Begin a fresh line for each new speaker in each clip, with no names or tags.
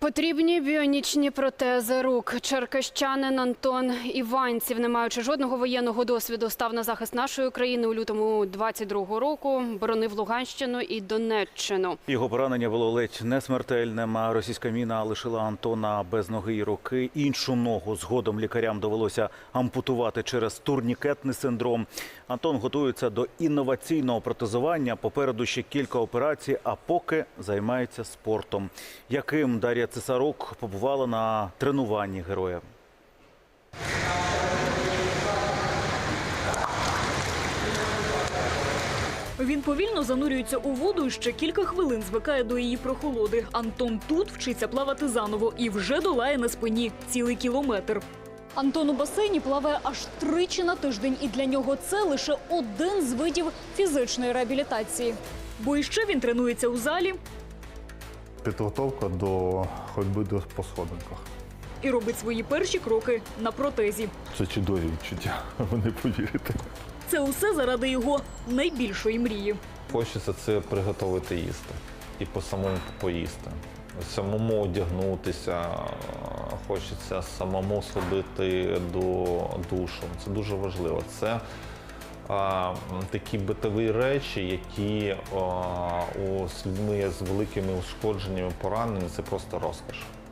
Потрібні біонічні протези рук. Черкащанин Антон Іванців, не маючи жодного воєнного досвіду, став на захист нашої країни у лютому 22-го року. Боронив Луганщину і Донеччину.
Його поранення було ледь не смертельним. Російська міна лишила Антона без ноги і руки. Іншу ногу згодом лікарям довелося ампутувати через турнікетний синдром. Антон готується до інноваційного протезування. Попереду ще кілька операцій, а поки займається спортом. Яким Дар'я Цесарук побувала на тренуванні героя.
Він повільно занурюється у воду і ще кілька хвилин звикає до її прохолоди. Антон тут вчиться плавати заново і вже долає на спині цілий кілометр. Антон у басейні плаває аж 3 на тиждень, і для нього це лише один з видів фізичної реабілітації. Бо іще він тренується у залі
підготовка до ходьби по сходинках.
і робить свої перші кроки на протезі.
Це чудові відчуття, ви не повірите.
Це усе заради його найбільшої мрії.
Хочеться це приготувати їсти і по-самому поїсти. Самому одягнутися, хочеться самому сходити до душу. Це дуже важливо. Це такі битові речі, які з людьми з великими ушкодженнями, пораненнями – це просто розкош.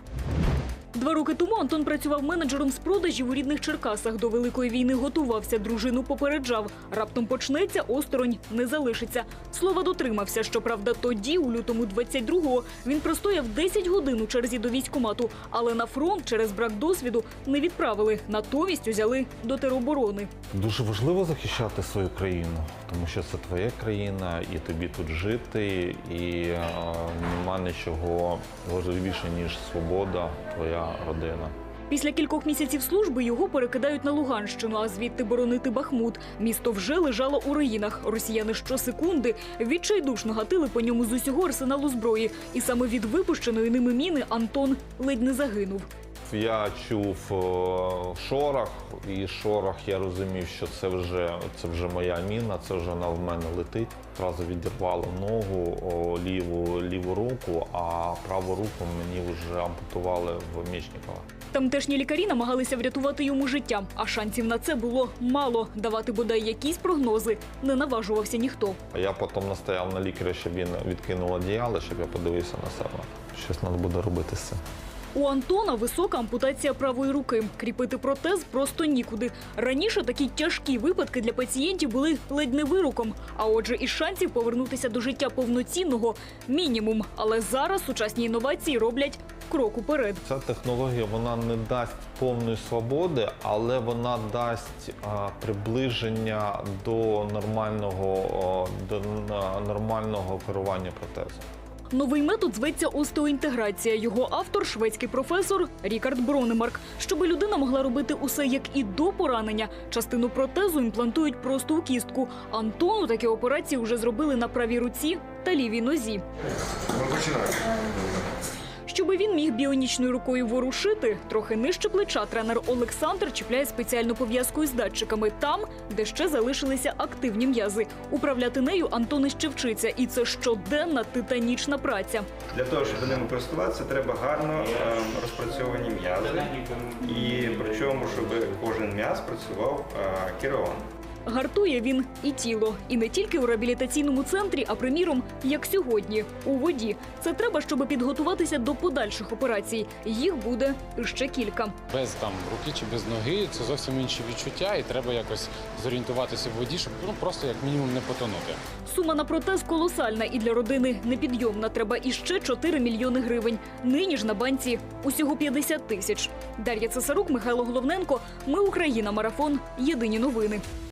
2 роки тому Антон працював менеджером з продажів у рідних Черкасах. До Великої війни готувався, дружину попереджав. Раптом почнеться, осторонь не залишиться. Слова дотримався. Щоправда, тоді, у лютому 22-го, він простояв 10 годин у черзі до військкомату. Але на фронт через брак досвіду не відправили. Натомість узяли до тероборони.
Дуже важливо захищати свою країну, тому що це твоя країна, і тобі тут жити, і нема нічого важливіше, ніж свобода, твоя родина.
Після кількох місяців служби його перекидають на Луганщину, а звідти боронити Бахмут. Місто вже лежало у руїнах. Росіяни щосекунди відчайдушно гатили по ньому з усього арсеналу зброї. І саме від випущеної ними міни Антон ледь не загинув.
Я чув шорох, і шорох я розумів, що це вже моя міна, це вже вона в мене летить. Одразу відірвало ногу, ліву руку, а праву руку мені вже ампутували в Мечникова.
Тамтешні лікарі намагалися врятувати йому життя, а шансів на це було мало. Давати бодай якісь прогнози не наважувався ніхто.
Я потім настояв на лікаря, щоб він відкинув одіяло, щоб я подивився на себе. Щось треба буде робити з цим.
У Антона висока ампутація правої руки. Кріпити протез просто нікуди. Раніше такі тяжкі випадки для пацієнтів були ледь не вироком. А отже, із шансів повернутися до життя повноцінного – мінімум. Але зараз сучасні інновації роблять крок уперед.
Ця технологія, вона не дасть повної свободи, але вона дасть приближення до нормального керування протезом.
Новий метод зветься остеоінтеграція. Його автор – шведський професор Рікард Бронемарк. Щоби людина могла робити усе, як і до поранення, частину протезу імплантують просто у кістку. Антону такі операції вже зробили на правій руці та лівій нозі. Щоби він міг біонічною рукою ворушити, трохи нижче плеча тренер Олександр чіпляє спеціальну пов'язку із датчиками там, де ще залишилися активні м'язи. Управляти нею Антон іще вчиться, і це щоденна титанічна праця.
Для того, щоб ними користуватися, треба гарно розпрацьовані м'язи, і причому, щоб кожен м'яз працював керовано.
Гартує він і тіло. І не тільки у реабілітаційному центрі, а, приміром, як сьогодні, у воді. Це треба, щоб підготуватися до подальших операцій. Їх буде ще кілька.
Без руки чи без ноги – це зовсім інші відчуття, і треба якось зорієнтуватися в воді, щоб просто як мінімум не потонути.
Сума на протез колосальна і для родини непідйомна. Треба іще 4 мільйони гривень. Нині ж на банці усього 50 тисяч. Дар'я Цесарук, Михайло Головненко. Ми Україна. Марафон. Єдині новини.